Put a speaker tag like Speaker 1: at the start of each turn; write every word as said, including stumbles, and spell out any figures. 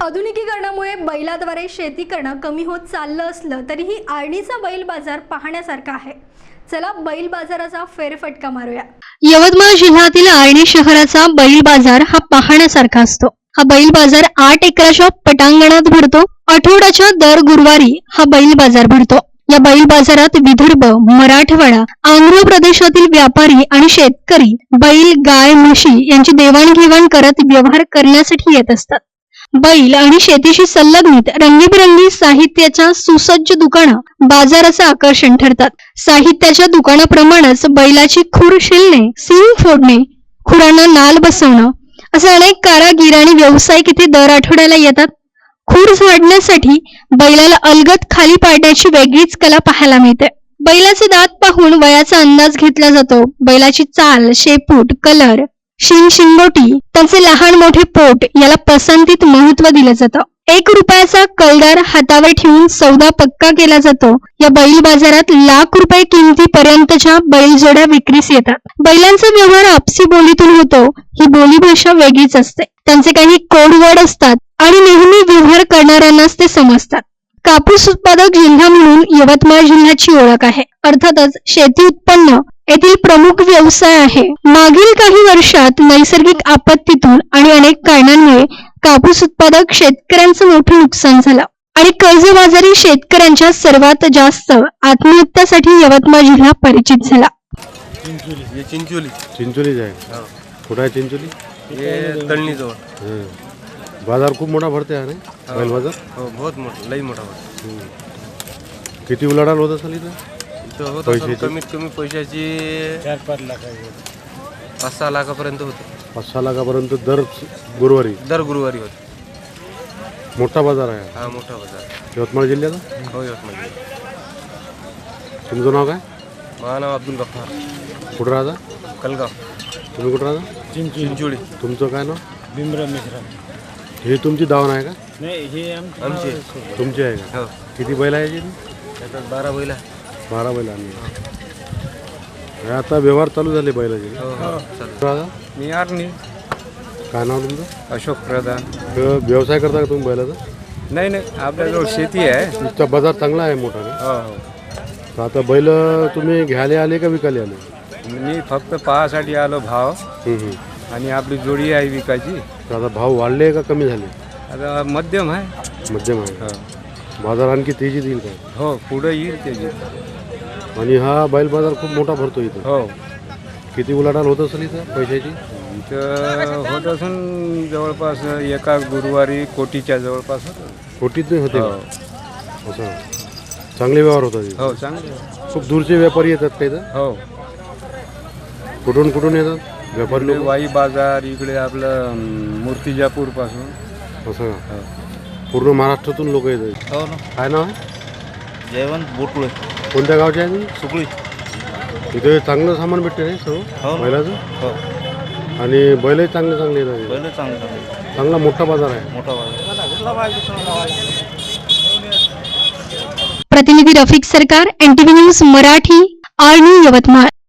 Speaker 1: आधुनिकीकरणामुळे बैलाद्वारे शेती करणं कमी होत चाललं असलं तरीही आर्णीचा बैल बाजार पाहण्यासारखा आहे। चला बैल बाजाराचा फेरफटका मारूया।
Speaker 2: यवतमाळ जिल्ह्यातील आर्णी शहराचा बैल बाजार हा पाहण्यासारखा असतो। हा बैल बाजार आठ एकराच्या पटांगणात भरतो। आठवड्याच्या दर गुरुवारी हा बैल बाजार भरतो। या बैल बाजारात विदर्भ, मराठवाडा, आंध्र प्रदेशातील व्यापारी आणि शेतकरी बैल, गाय, म्हशी यांची देवाणघेवाण करत व्यवहार करण्यासाठी येत असतात। बैल आणि शेतीशी संलग्नित रंगीबेरंगी साहित्याच्या सुसज्ज दुकानं बाजाराचं आकर्षण ठरतात। साहित्याच्या दुकानाप्रमाणेच बैलाची खूर शिलणे, सींग फोडणे, खुरांना नाल बसवणं असे अनेक कारागीर आणि व्यावसायिक इथे दर आठवड्याला येतात। खूर झाडण्यासाठी बैलाला अलगद खाली पाडण्याची वेगळीच कला पाहायला मिळते। बैलाचे दात पाहून वयाचा अंदाज घेतला जातो। बैलाची चाल, शेपूट, कलर, शिंग शिंगोटी, त्यांचे लहान मोठे पोट याला पसंतीत महत्व दिलं जातं। एक रुपयाचा कलदार हातावर ठेवून सौदा पक्का केला जातो। या बैल बाजारात लाख रुपये किमतीपर्यंतच्या बैलजोड्या विक्रीस येतात। बैलांचा व्यवहार आपसी बोलीतून होतो। ही बोली भाषा वेगळीच असते। त्यांचे काही कोड वर्ड असतात आणि नेहमी व्यवहार करणाऱ्यांनाच ते समजतात। कापूस उत्पादक जिल्हा म्हणून यवतमाळ जिल्ह्याची ओळख आहे। अर्थातच शेती उत्पन्न येथील प्रमुख व्यवसाय आहे। मागील काही वर्षात नैसर्गिक आपत्तीतून आणि अनेक कारणांमुळे कापूस उत्पादक शेतकऱ्यांचं मोठं नुकसान झालं आणि कर्जबाजारी शेतकऱ्यांच्या सर्वात जास्त आत्महत्यासाठी यवतमाळ जिल्हा परिचित झाला।
Speaker 3: चिंचोली, ये चिंचोली
Speaker 4: चिंचोली जाए कुठं आहे चिंचोली?
Speaker 3: ये तळणी जवळ।
Speaker 4: बाजार खूप मोठा भरते आहे ना बैल बाजार?
Speaker 3: हो, बहुत मोठा, लई मोठा भरते।
Speaker 4: किती उलाढाल होत असेल इथं?
Speaker 3: इथं होत असेल कमीत कमी पैशाची
Speaker 5: चार पाच लाख
Speaker 3: पाच सहा लाखापर्यंत होतं।
Speaker 4: पाच सहा लाखापर्यंत दर गुरुवारी
Speaker 3: दर गुरुवारी होतं।
Speaker 4: मोठा बाजार आहे
Speaker 3: हा मोठा बाजार
Speaker 4: यवतमाळ जिल्ह्याचा।
Speaker 3: हो यवतमाळ।
Speaker 4: तुमचं नाव काय?
Speaker 3: माझं नाव अब्दुल गफ्फार,
Speaker 4: कुठं राहता?
Speaker 3: कलगाव।
Speaker 4: तुम्ही कुठं राहता?
Speaker 3: चिंचोली।
Speaker 4: तुमचं काय नाव?
Speaker 5: भीमराव मिश्रा।
Speaker 4: हे तुमची दावण आहे का?
Speaker 5: नाही, हे आमचे
Speaker 3: आमचे
Speaker 4: तुमची आहे का?
Speaker 3: हो,
Speaker 4: किती बैल आहे याची?
Speaker 3: त्याच्यात बारा बैला।
Speaker 4: बारा बैल आणली। हे आता व्यवहार चालू झाले बैलाचे।
Speaker 3: हो हो चालेल।
Speaker 4: राहता?
Speaker 5: मी आर्णी।
Speaker 4: काय नाव तुमचं?
Speaker 5: अशोक प्रधान।
Speaker 4: तर व्यवसाय करता का तुम्ही बैलाचा?
Speaker 5: नाही नाही, आपल्याजवळ शेती आहे।
Speaker 4: इथचा बाजार चांगला आहे मोठा ना?
Speaker 5: हो हो।
Speaker 4: तर आता बैल तुम्ही घ्यायला आले का विकायला आले?
Speaker 5: मी फक्त पाहासाठी आलो भाव,
Speaker 4: हम्म, हम्म.
Speaker 5: आणि आपली जोडी आहे विकायची।
Speaker 4: तर आता भाव वाढले का कमी झाले?
Speaker 5: आता मध्यम आहे।
Speaker 4: मध्यम आहे।
Speaker 5: हो
Speaker 4: बाजार आणखी तेजीत येईल काय?
Speaker 5: हो, पुढे येईल त्याची।
Speaker 4: आणि हा बैल बाजार खूप मोठा भरतो इथं।
Speaker 5: हो,
Speaker 4: किती उलाढाल होत असेल इथं पैशाची?
Speaker 5: इथं होत असून जवळपास एका गुरुवारी कोटीच्या जवळपास होतं।
Speaker 4: कोटीत नाही होते
Speaker 5: हो
Speaker 4: का? असं चांगले व्यवहार होतात इथं?
Speaker 5: हो, चांगलं।
Speaker 4: खूप दूरचे व्यापारी येतात का इथं?
Speaker 5: हो,
Speaker 4: कुठून कुठून येतात व्यापारी
Speaker 5: इकडे
Speaker 4: लोक?
Speaker 5: वाई बाजार, इकडे आपलं अं, मूर्तिजापूर पासून।
Speaker 4: असं का?
Speaker 5: हो
Speaker 4: पूर्ण महाराष्ट्रातून लोक येतात?
Speaker 6: हो ना,
Speaker 4: काय नाव आहे?
Speaker 6: जयवंत बोटकुळे,
Speaker 4: कोणत्या गावचे आहे तुम्ही?
Speaker 6: सुकळी।
Speaker 4: इथे चांगलं सामान भेटते नाही
Speaker 6: हो
Speaker 4: सर्व
Speaker 6: ना.
Speaker 4: बैलाचं?
Speaker 6: हो,
Speaker 4: आणि बैलही चांगले चांगले येतात इथे.
Speaker 6: पहिलं चांगलं चांगलं
Speaker 4: चांगला मोठा बाजार आहे।
Speaker 6: मोठा बाजार।
Speaker 2: प्रतिनिधी Rafiq Sarkar, N T V news Marathi, Arni, Yavatmal.